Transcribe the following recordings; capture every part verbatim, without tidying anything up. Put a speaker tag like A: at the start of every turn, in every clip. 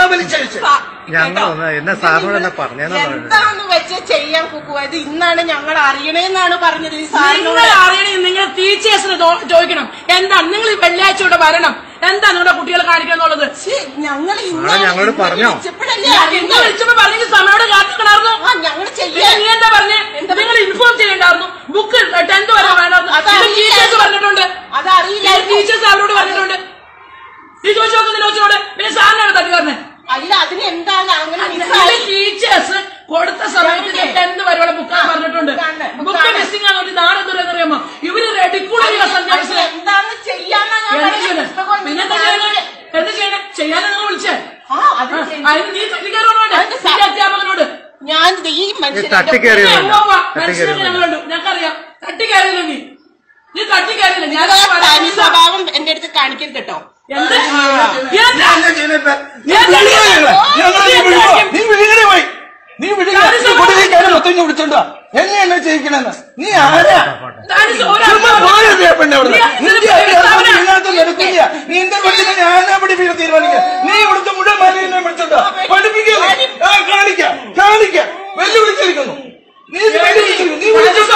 A: വലിച്ചഴിച്ചു.
B: എന്താന്ന് വെച്ച് ചെയ്യാൻ കുക്കുവായത് ഇന്നാണ് ഞങ്ങൾ അറിയണേന്നാണ് പറഞ്ഞത്. ഈ സാറിനോട്
C: അറിയണേ നിങ്ങൾ ടീച്ചേഴ്സിന് ചോദിക്കണം. എന്താണ് നിങ്ങൾ ഈ വെള്ളിയാഴ്ച ഇവിടെ വരണം, എന്താ നിങ്ങളുടെ കുട്ടികളെ കാണിക്കാന്നുള്ളത്?
B: ഞങ്ങൾ
D: ഞങ്ങളോട് പറഞ്ഞോ?
C: വിളിച്ചപ്പോ പറഞ്ഞെങ്കിൽ സമയോട് കാത്തിക്കണായിരുന്നു.
B: ഞങ്ങൾ ചെയ്യാൻ
C: നീ എന്താ പറഞ്ഞേ? നിങ്ങൾ ഇൻഫോം ചെയ്യണ്ടായിരുന്നു. ബുക്ക് ടെൻത്ത് വരെ വേണമായിരുന്നു. ടീച്ചേഴ്സ് പറഞ്ഞിട്ടുണ്ട്,
B: അതറിയില്ല.
C: ടീച്ചേഴ്സ് അവരോട് പറഞ്ഞിട്ടുണ്ട്. നീ ചോദിച്ചു നോക്കുന്ന ചോദിച്ചോട് പിന്നെ സാറിനാണ് തട്ടി പറഞ്ഞേ.
B: അല്ല അതിന് എന്താണ് അങ്ങനെ
C: ടീച്ചേഴ്സ് കൊടുത്ത സമയത്ത് ടെൻത്ത് വരെയുള്ള ബുക്കാണ് പറഞ്ഞിട്ടുണ്ട്. ബുക്ക് മിസ്സിംഗ് ആണെന്ന് നാളെ അറിയാമോ? ഇവര് റെഡിക്കൂടെ
B: എന്താണ് ചെയ്യാൻ
C: പിന്നെ എന്താ ചെയ്യണേ? എന്താ ചെയ്യണേ? ചെയ്യാനാ നിങ്ങൾ വിളിച്ചേ? അതിന് നീ തട്ടിക്കാരോട് അധ്യാപകനോട്
B: ഞാൻ ഈ
C: മനുഷ്യനെ ഞങ്ങളുണ്ട്, ഞങ്ങൾക്കറിയാം. തട്ടിക്കയറില്ല നീ നീ തട്ടിക്കയറില്ല. ഞാൻ
B: സ്വഭാവം എന്റെ അടുത്ത് കാണിക്കരുത് കേട്ടോ.
A: നീ വിളിക്കണേ പോയി, നീ വിളിക്കാൻ മൊത്തം വിളിച്ചോണ്ടോ എന്നെ എന്നെ ചെയ്യിക്കണെന്ന്? നീ ആരാ? പെണ്ണെ അവിടെ നടക്കില്ല. നിന്റെ പെണ്ണിനെ ഞാനാ പഠിപ്പിക്കാൻ തീരുമാനിക്കാം. നീ ഇവിടുത്തെ മുഴുവൻ മാലിന്യം വിളിച്ചോണ്ടോ പഠിപ്പിക്കുക? കാണിക്കാം കാണിക്കാം വെല്ലുവിളിച്ചിരിക്കുന്നു. നീ വെല്ലുവിളിച്ചിരിക്കുന്നു. നീ വിളിച്ചോണ്ടോ?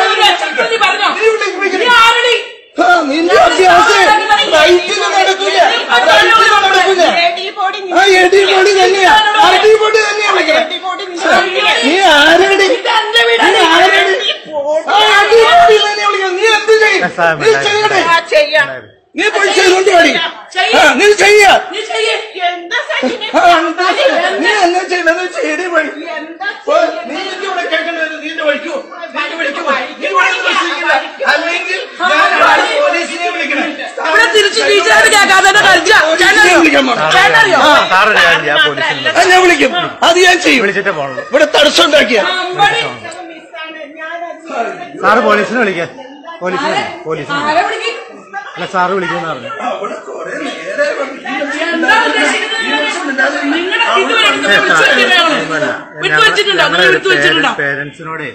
A: നിന്റെ അഭ്യാസം റൈറ്റിന് നടക്കില്ല, റൈറ്റിന് നടക്കില്ല. ആ എടി പൊടി തന്നെയാ, അടി പൊടി തന്നെയാ വിളിക്കണേ. നീ ആരടി? നീ ആരടി? ആ അടി പൊടി തന്നെയാ വിളിക്കണം. നീ എന്ത് ചെയ്യും? നീ ചെയ്യണേ. നീ പോയി ചെയ്തോണ്ട് പാടി. നീ ചെയ്യ നീ എന്നാ ചെയ്യണമെന്ന് ചെയ്യണേ പോയി. നീ എനിക്ക് ഇവിടെ കേൾക്കണ്ടത് നീന്റെ വഴിക്കോ അല്ലെങ്കിൽ പോലീസിനെ വിളിക്കണം.
C: ഇവിടെ തിരിച്ച് ടീച്ചറായിട്ട് കേൾക്കാതെ
A: ഞാൻ വിളിക്കും. അത് ഞാൻ ചെയ്യും. ഇവിടെ തടസ്സം ഉണ്ടാക്കിയ
D: സാറ് പോലീസിനെ വിളിക്കാൻ. പോലീസിനെ പോലീസിനെ അല്ല സാറ് വിളിക്കുന്ന പറഞ്ഞു. പേരൻസിനോടെ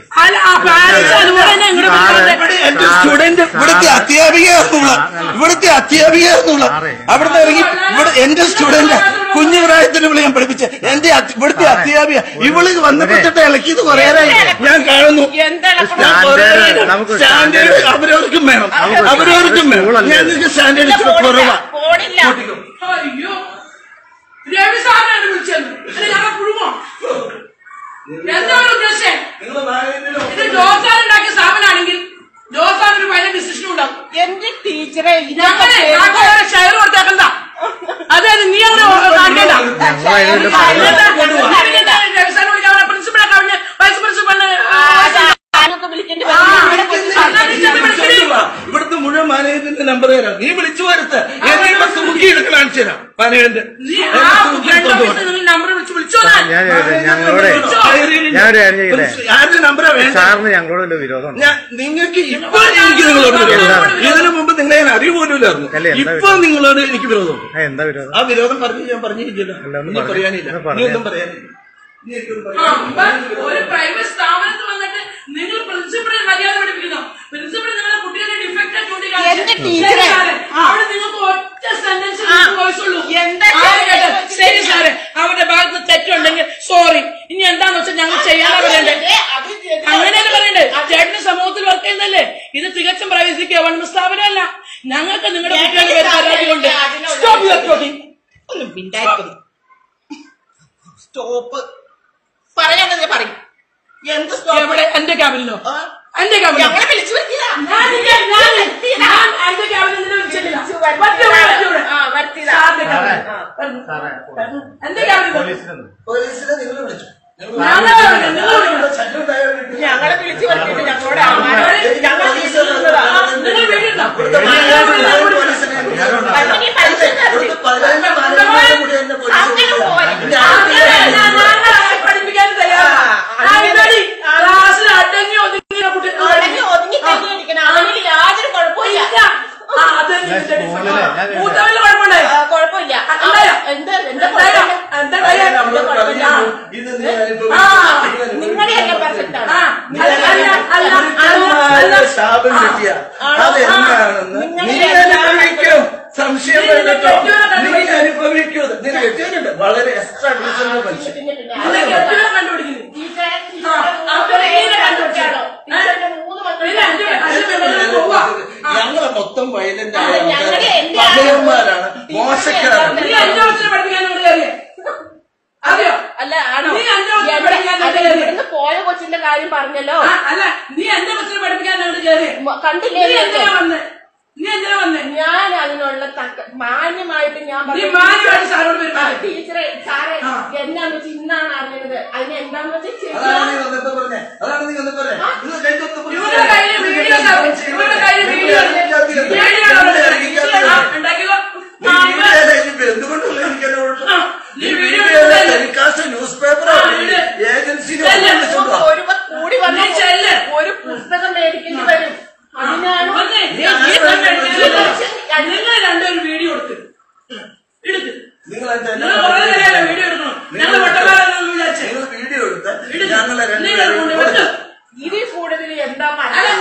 A: എന്റെ സ്റ്റുഡന്റ് ഇവിടുത്തെ അധ്യാപികയാണെന്നുള്ള ഇവിടുത്തെ അധ്യാപികയാണെന്നുള്ള അവിടുന്ന് ഇറങ്ങി ഇവിടെ എന്റെ സ്റ്റുഡന്റ് കുഞ്ഞു പ്രായത്തിന് വിളി ഞാൻ പഠിപ്പിച്ച എന്റെ ഇവിടുത്തെ അധ്യാപിക ഇവള് വന്നപ്പെട്ടിട്ട് ഇളക്കിയത് കുറേയായി ഞാൻ കാണുന്നു. സ്റ്റാൻഡേർഡ് അവരവർക്കും വേണം, അവരവർക്കും വേണം. ഞാൻ നിങ്ങൾക്ക് സ്റ്റാൻഡേർഡ് ഇച്ചിരി കുറവാ.
C: അയ്യോ രവി സാറിനാണ് വിളിച്ചത്. കുടുംബം എന്താണ് ഉദ്ദേശം? ഇത് ജോസാനുണ്ടാക്കിയ സ്ഥാപനമാണെങ്കിൽ ജോസാൻ ഒരു വലിയ ഡിസിഷൻ ഉണ്ടാവും.
B: എന്റെ ടീച്ചറെ
C: ഷെയർ കൊടുത്തേക്കണ്ട. അതായത് നീ അങ്ങനെ കാണിക്കണ്ട. രവിസാറിനെ വിളിക്കാൻ പ്രിൻസിപ്പളെ കവിഞ്ഞ് വൈസ് പ്രിൻസിപ്പളിന്
A: ഇവിടുത്തെ മുഴുവൻ മാനേജറിന്റെ നമ്പർ തരാം. നീ വിളിച്ചു വരുത്ത് എന്നെ തൂക്കി എടുക്കാൻ കാണിച്ചു തരാം. മാനേജറിന്റെ
C: നമ്പർ വിളിച്ച് വിളിച്ചോ.
A: ആരുടെ നമ്പറാ വേണ്ട?
D: സാറിന് ഞങ്ങളോട് വിരോധം.
A: നിങ്ങൾക്ക് ഇപ്പൊ എനിക്ക് നിങ്ങളോട് ഇതിനു മുമ്പ് നിങ്ങളെ ഞാൻ അറിയുപോലുമില്ലായിരുന്നു. ഇപ്പൊ നിങ്ങളോട് എനിക്ക് വിരോധം.
D: എന്താ വിരോധം?
A: ആ വിരോധം പറഞ്ഞു ഞാൻ പറഞ്ഞിരിക്കില്ല. പറയാനില്ല, നീ ഒന്നും പറയാനില്ല.
C: ഒരു പ്രൈവറ്റ് സ്ഥാപനത്തിൽ വന്നിട്ട് നിങ്ങൾ പ്രിൻസിപ്പളിനെ മര്യാദ പഠിപ്പിക്കുന്നു. പ്രിൻസിപ്പൾ നിങ്ങളുടെ കുട്ടികളുടെ ഡിഫക്റ്റ് അവിടെ നിങ്ങൾക്ക് ഒറ്റ സെന്റൻസ് വോയിസുള്ളൂ. ശരി സാറ്, അവരുടെ ഭാഗത്ത് തെറ്റുണ്ടെങ്കിൽ സോറി. ഇനി എന്താന്ന് വെച്ചാൽ ഞങ്ങൾ ചെയ്യാനാ പറയണ്ടേ? അങ്ങനെയല്ല പറയണ്ടേ? ചേട്ടന് സമൂഹത്തിൽ വർക്ക് ചെയ്യുന്നല്ലേ? ഇത് തികച്ചും പ്രൈവസി ഗവൺമെന്റ് സ്ഥാപനമല്ല. ഞങ്ങൾക്ക് നിങ്ങളുടെ കുട്ടികളുടെ പേര് പരാതിയുണ്ട്. Stop your talking.
B: ഒന്നും മിണ്ടായിരിക്കുന്നു. സ്റ്റോപ്പ് പറയാനേ പറയും. എന്ത്
C: എവിടെ? എന്റെ ക്യാബിനിലോ? എന്റെ ക്യാബിൻ
B: ഞങ്ങളെ വിളിച്ചു വരുത്തിയതാ.
C: എന്റെ ക്യാബിൻ വിളിച്ചിട്ടില്ല. എന്റെ ക്യാബിൻ
A: പോലീസിനെ നിങ്ങൾ വിളിച്ചു.
B: ഞങ്ങളെ വിളിച്ചു വരുത്തിയിട്ട് ഞങ്ങളോട്
C: പഠിപ്പിക്കാൻ തയ്യാറാണ്. ക്ലാസ്സിൽ അടങ്ങി ഒതുങ്ങിയ കുട്ടി
B: ഒതുങ്ങി ഒതുങ്ങി തന്നെയിരിക്കണം. അതിന് യാതൊരു കുഴപ്പമില്ല.
C: മൂത്തവല്ല കുഴപ്പമുണ്ടായി.
B: കുഴപ്പമില്ല. എന്താ എന്താ നിങ്ങളുടെയൊക്കെ പെർഫെക്റ്റ് ആണ്.
A: ശാപം കിട്ടിയ അതെന്താണെന്ന് നീ അനുഭവിക്കും. സംശയം വേണ്ടോ? നീ അനുഭവിക്കൂ. നിനക്ക് വളരെ എക്സ്ട്രാ ഡീസന്റ് മനുഷ്യൻ. ഞങ്ങളെ മൊത്തം വയലന്റ് ആയ പകയന്മാരാണ്, മോശക്കാരാണ്.
B: അല്ല ഇവിടുന്ന് പോയ കൊച്ചിന്റെ കാര്യം പറഞ്ഞല്ലോ.
C: അല്ല നീ എന്റെ കൊച്ചിനെ പഠിപ്പിക്കാൻ
B: കണ്ടില്ലേ?
C: നീ എന്തിനാ വന്നേ?
B: ഞാൻ അതിനുള്ള മാന്യമായിട്ട് ഞാൻ ടീച്ചറെ സാറേ എന്താന്ന് വെച്ചാൽ ഇന്നാണ് അറിഞ്ഞത്. അതിന് എന്താന്ന് വെച്ചാൽ
A: ന്യൂസ് പേപ്പർ ഏജൻസി
B: കൂടി വന്ന ഒരു പുസ്തകം മേടിക്കേണ്ടി വരും. അതിനാണ്
C: നിങ്ങൾ രണ്ടുപേരും വീഡിയോ എടുത്ത് എടുത്ത്
A: നിങ്ങൾ
C: വീഡിയോ എടുക്കണം. ഞങ്ങൾ
A: വീഡിയോ എടുത്ത് ഞങ്ങളെ
B: ഇതിൽ കൂടുതൽ എന്താ പറയാ?